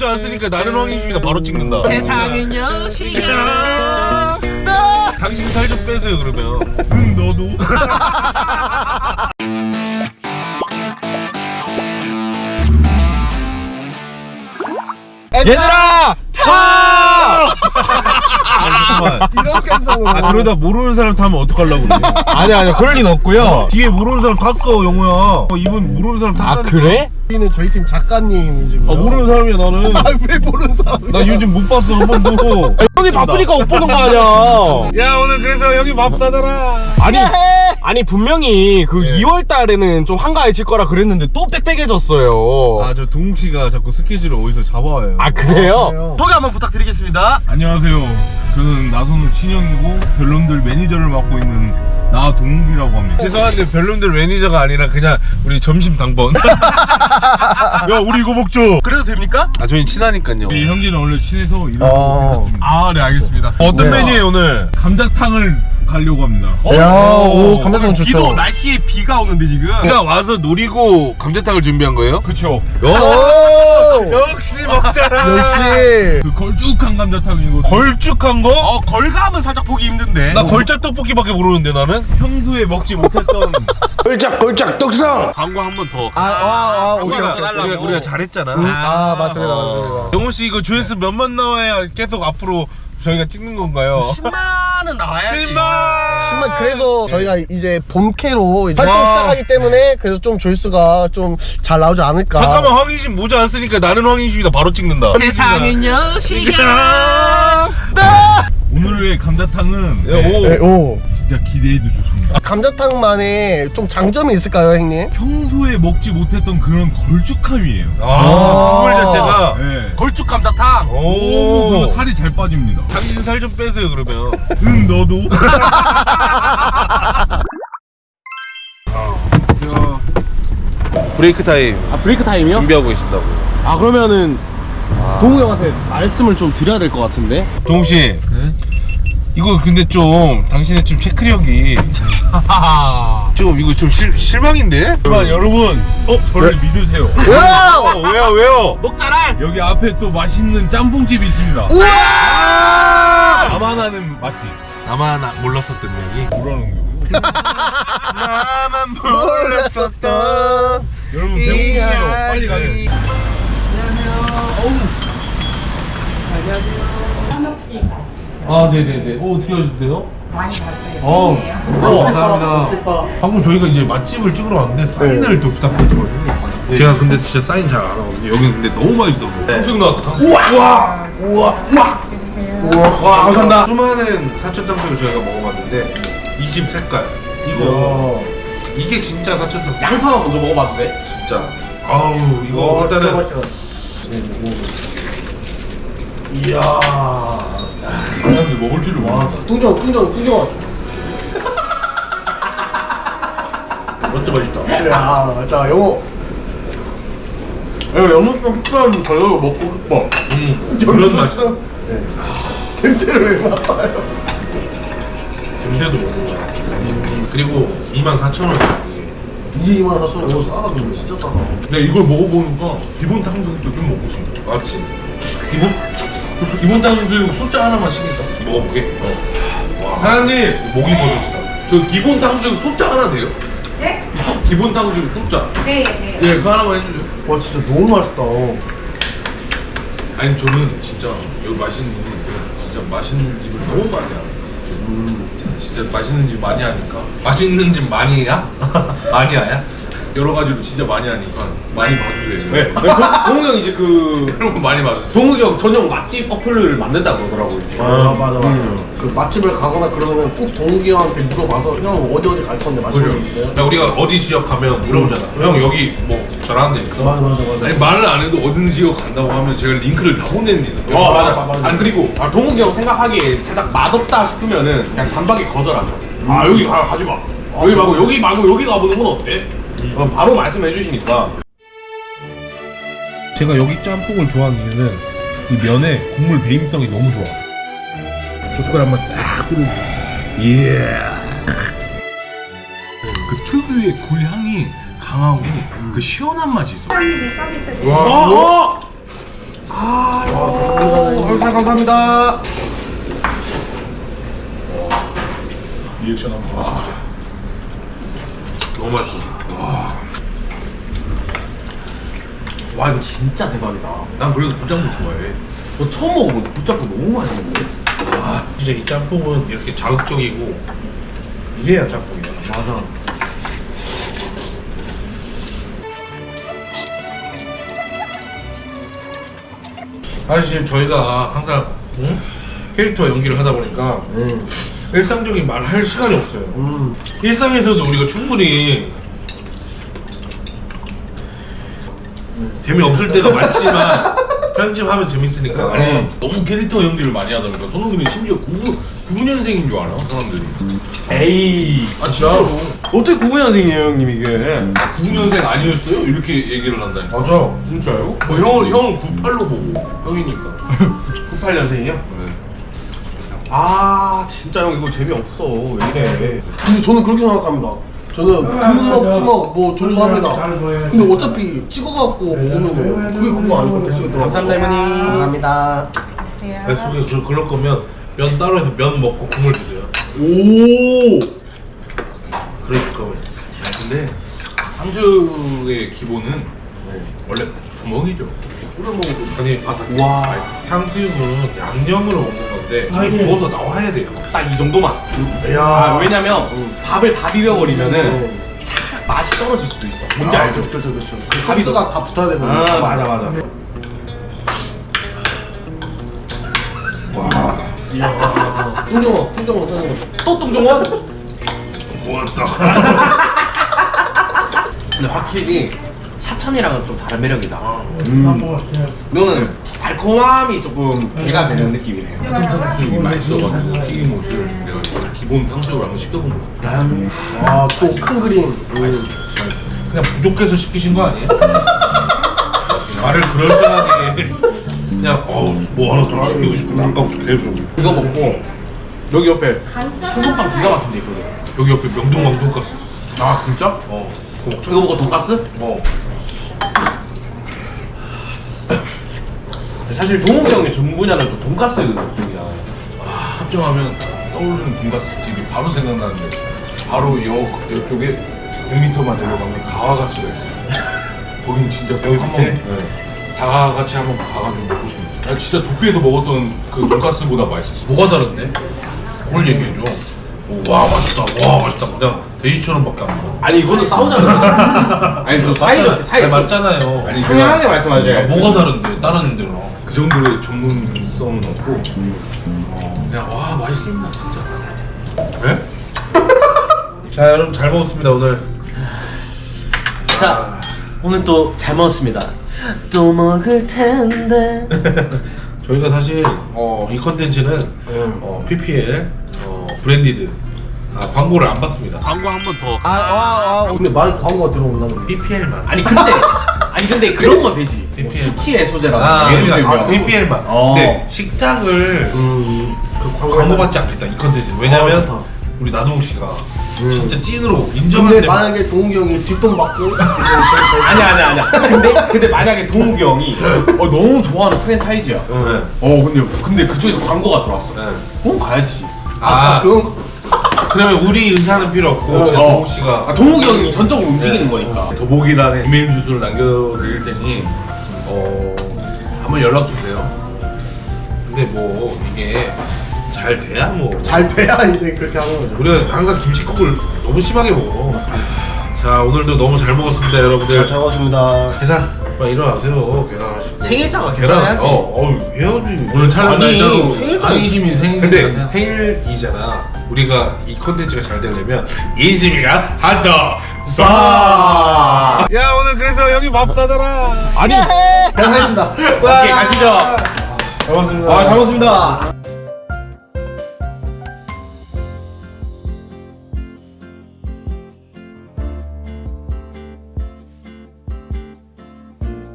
않았으니까 나는 황인심이다 바로 찍는다. 세상은 여신이야. 당신 살 좀 빼세요 그러면. 너도. 얘들아! 하! 이런 감성으로. 아 그러다 모르는 사람 타면 어떡하려고 그래. 아니야 그럴 리는 없고요. 뒤에 모르는 사람 탔어 영호야. 이분 모르는 사람 탔다니까. 아 그래? 여기는 저희 팀 작가님이시고요. 아 모르는 사람이야 나는. 왜 모르는 사람이야? 나 요즘 못 봤어 한 번도. 형이 바쁘니까 못 보는 거 아니야. 야 오늘 그래서 형이 밥 사잖아. 아니 분명히 그 2월 달에는 좀 한가해질 거라 그랬는데 또 빽빽해졌어요. 아 저 동욱 씨가 자꾸 스케줄을 어디서 잡아와요. 아 그래요? 그래요? 소개 한번 부탁드리겠습니다. 안녕하세요. 저는 나선욱 신현이고 별놈들 매니저를 맡고 있는 나동욱이라고 합니다. 죄송한데 별놈들 매니저가 아니라 그냥 우리 점심 당번. 야 우리 이거 먹죠. 그래도 됩니까? 아 저희 친하니까요. 이 형제는 원래 친해서 이런 어. 거 괜찮습니다. 아 네 알겠습니다. 어떤 네. 메뉴예요 오늘? 감자탕을 가려고 합니다. 야, 오, 감자탕 좋죠. 비도 날씨에 비가 오는데 지금. 우리가 와서 노리고 감자탕을 준비한 거예요? 그쵸. 오! 역시 먹잖아. 역시. 그 걸쭉한 감자탕이고 걸쭉한 거? 걸감은 살짝 보기 힘든데. 나 걸작 떡볶이밖에 모르는데 나는. 평소에 먹지 못했던 걸작 떡상. 광고 한 번 더. 우리가 잘했잖아. 아, 맞습니다, 맞습니다. 영호 씨 이거 조회수 몇만 나와야 계속 앞으로 저희가 찍는 건가요? 10만은 나와야지. 10만 그래도 저희가 이제 본캐로 이제 와. 활동 시작하기 때문에 그래서 좀 조회수가 좀 잘 나오지 않을까. 잠깐만 황인심 모자 안 쓰니까 나는 황인심이다 바로 찍는다. 세상은 여신이야. 오늘의 감자탕은 오. 네, 오. 진짜 기대해도 좋습니다. 감자탕만의 좀 장점이 있을까요, 형님? 평소에 먹지 못했던 그런 걸쭉함이에요. 국물 자체가. 네. 걸쭉 감자탕. 오, 그리고 살이 잘 빠집니다. 당신 살 좀 빼세요 그러면. 너도. 브레이크 타임 아 브레이크 타임이요? 준비하고 계신다고. 아 그러면은 동우 형한테 말씀을 좀 드려야 될 것 같은데. 동욱 씨. 이거 근데 좀 당신의 좀 체크력이 좀 이거 좀 실망인데? 하지만 여러분, 저를 믿으세요. 와우! 왜요? 먹자랄. 여기 앞에 또 맛있는 짬뽕집이 있습니다. 우와! 나만 아는 맛집. 나만 몰랐었던 얘기. 뭐라는 거예요? 나만 몰랐었던 여러분 배고프세요. 빨리 가게. 아 네네네. 어떻게 하셨어요? 많이 봤어요. 감사합니다. 방금 저희가 이제 맛집을 찍으러 왔는데 사인을 또 부탁드렸거든요. 제가 근데 진짜 사인 잘 안 하거든요. 여기는 근데 너무 맛있어서. 탕수육 나왔다. 우와! 와 감사합니다. 수많은 사천 탕수육을 저희가 먹어봤는데 이 집 색깔 이거 이게 진짜 사천 탕수육. 양파만 먼저 먹어봐도 돼? 진짜. 아우 이거 일단은 이야. 사람들 먹을 줄을 몰랐다. 뚱정. 진짜 맛있다. 야, 자, 영호. 영국병 식사는 저녁을 먹고 싶어. 그런 맛이다. 네. 냄새를 왜 맡아요? 냄새도 먹는 거야. 그리고 24,000원. 이게 24,000원. 이거 싸다, 이거 진짜 싸다. 내가 이걸 먹어보니까 기본 탕수육도 좀 먹고 싶네. 맞지? 기본 탕수육 소자 하나만 시킬까? 먹어보게. 사장님, 목이 버섯이다. 저 기본 탕수육 소자 하나 돼요? 네? 기본 탕수육 소자. 네, 네. 예, 그거 하나만 해주세요. 와, 진짜 너무 맛있다. 아니 저는 진짜 여기 맛있는 집은 진짜 맛있는 집을 너무 많이 알아요. 진짜 맛있는 집 많이 하니까 맛있는 집 많이야? 많이야야? 여러 가지로 진짜 많이 하니까 많이 봐주세요. 네. 동우 형 이제 그 여러분 많이 봐주세요. 동우 형 전용 맛집 어플을 만든다 그러더라고 이제. 맞아. 그 맛집을 가거나 그러면은 꼭 동욱이 형한테 물어봐서 형 어디 갈 건데 맛있는 거 있어요? 야 우리가 어디 지역 가면 물어보잖아. 형 여기 뭐 잘하는 데 있어? 맞아. 아니 말을 안 해도 어느 지역 간다고 하면 제가 링크를 다 보냅니다. 맞아. 아니 그리고 동욱이 형 생각하기에 살짝 맛없다 싶으면은 그냥 단박에 거절하죠. 아 여기 가지 마. 여기 말고 여기 가보는 건 어때? 그럼 바로 말씀해 주시니까. 제가 여기 짬뽕을 좋아하는 이유는 이 면에 국물 배임성이 너무 좋아. 고춧가루 한번 싹 뿌려. 예. 그 특유의 굴향이 강하고 그 시원한 맛이 있어. 사장님이 서비스 와. 형사 감사합니다. 리액션 한번 봐. 너무 맛있어. 와 이거 진짜 대박이다. 난 그래도 굴짬뽕 좋아해. 너 처음 먹어보는데 굴짬뽕 너무 맛있는데? 아, 진짜 이 짬뽕은 이렇게 자극적이고 이래야 짬뽕이야. 맞아. 사실 저희가 항상 캐릭터 연기를 하다 보니까 일상적인 말을 할 시간이 없어요. 일상에서도 우리가 충분히 재미없을 때가 많지만 편집하면 재밌으니까. 아니 너무 캐릭터 연기를 많이 하다 보니까 손흥민이 심지어 99년생인 줄 알아 사람들이. 에이 아 진짜로. 어떻게 99년생이에요 형님 이게? 99년생 아니었어요? 이렇게 얘기를 한다니까. 맞아. 진짜요? 뭐 형은 98로 보고 형이니까. 98년생이요? 네. 아 진짜 형 이거 재미없어 왜 이래? 근데 저는 그렇게 생각합니다. 저는 굶먹 찌먹 뭐 존중합니다. 근데 어차피 찍어갖고 먹으면 그게 그거 아니고 뱃속에 들어가. 감사합니다 형님. 감사합니다. 뱃속에 그럴 거면 면 따로 해서 면 먹고 국물 주세요. 오. 그러실 거면. 근데 탕수육의 기본은 원래 구멍이죠. 끓여 먹어도 아니 와. 탕수육은 양념으로 먹는 건데 이미 부어서 나와야 돼요. 딱 이 정도만. 야. 아, 왜냐면 밥을 다 비벼버리면은 살짝 맛이 떨어질 수도 있어. 뭔지 알죠? 그렇죠. 그 소스가 다 붙어야 되거든요. 아 맞아. 이야. 뚱정어 짜는 거. 또 똥종원? 고맙다. 근데 확실히 사천이랑은 좀 다른 매력이다. 너는 달콤함이 조금 배가 되는 느낌이네. 탕수육이 맛있어가지고 튀김옷을 내가 기본 탕수육을 한번 시켜본 거야. 아또 큰 그림. 그냥 부족해서 시키신 거 아니에요? 말을 그럴싸하게 그냥 뭐 하나 더 시키고 싶은데 아까부터 계속 이거 먹고 여기 옆에 소금빵 기가 막힌데 있거든. 여기 옆에 명동왕 돈가스. 아 진짜? 그거 먹자. 이거 먹고 돈가스? 사실 동욱이 형의 전 분야는 또 돈가스 쪽이야. 합정하면 떠오르는 돈가스 집이 바로 생각나는데 바로 이쪽에 100m만 내려가면 가와가치가 있어요. 거긴 진짜 여기서 한번 이렇게? 다 같이 한번 가가지고 먹고 싶네. 나 진짜 도쿄에서 먹었던 그 돈가스보다 맛있었어. 뭐가 다른데? 그걸 얘기해줘. 와 맛있다. 그냥 돼지처럼밖에 안 먹어. 아니 이거는 싸우잖아. 아니 좀 사이 맞잖아요. 아니, 상냥하게 말씀하셔야지. 뭐가 다른데? 다른 데랑. 그 정도의 전문성은 없고 그냥 와 맛있습니다 진짜. 네? 자 여러분 잘 먹었습니다 오늘. 자 오늘 또 잘 먹었습니다. 또 먹을 텐데. 저희가 사실 이 컨텐츠는 PPL 브랜디드 광고를 안 받습니다. 광고 한 번 더. 근데 많이 광고가 들어온다면. PPL만. 아니 근데 그런 건 되지. 뭐 PPL. 수치의 소재라고. 예를 그러니까 들면 PPL만. 근데 식당을 그 광고 받지 않겠다 이 컨텐츠. 왜냐면 우리 나동욱 씨가 진짜 찐으로 인정한 근데 데 만약에 동욱이 형이 뒷돈 받고 아니야. 근데 만약에 동욱이 형이 너무 좋아하는 프랜차이즈야. 근데 그쪽에서 광고가 들어왔어. 그럼 가야지. 그건 그러면 우리 의사는 필요 없고 제가 동욱 씨가 동욱이 형이 전적으로 움직이는 거니까. 더보기란에 이메일 주소를 남겨드릴 테니 한번 연락 주세요. 근데 뭐 이게 잘 돼야 뭐 잘 돼야 이제 그렇게 하는 거죠. 우리가 항상 김치국을 너무 심하게 먹어. 자 오늘도 너무 잘 먹었습니다 여러분들. 잘 먹었습니다. 계산 빨리 일어나세요. 계산하시고 생일자가 계산 계산해야지. 해야지. 오늘 촬영 아니, 날짜로 생일도 안심이 근데 생일이잖아요. 생일이잖아. 우리가 이 콘텐츠가 잘 되려면 인심이가 한더 아. 야 오늘 그래서 여기 밥 사잖아. 아니. 계산하겠습니다. 오케이 가시죠. 잘 먹었습니다. 잘 먹습니다.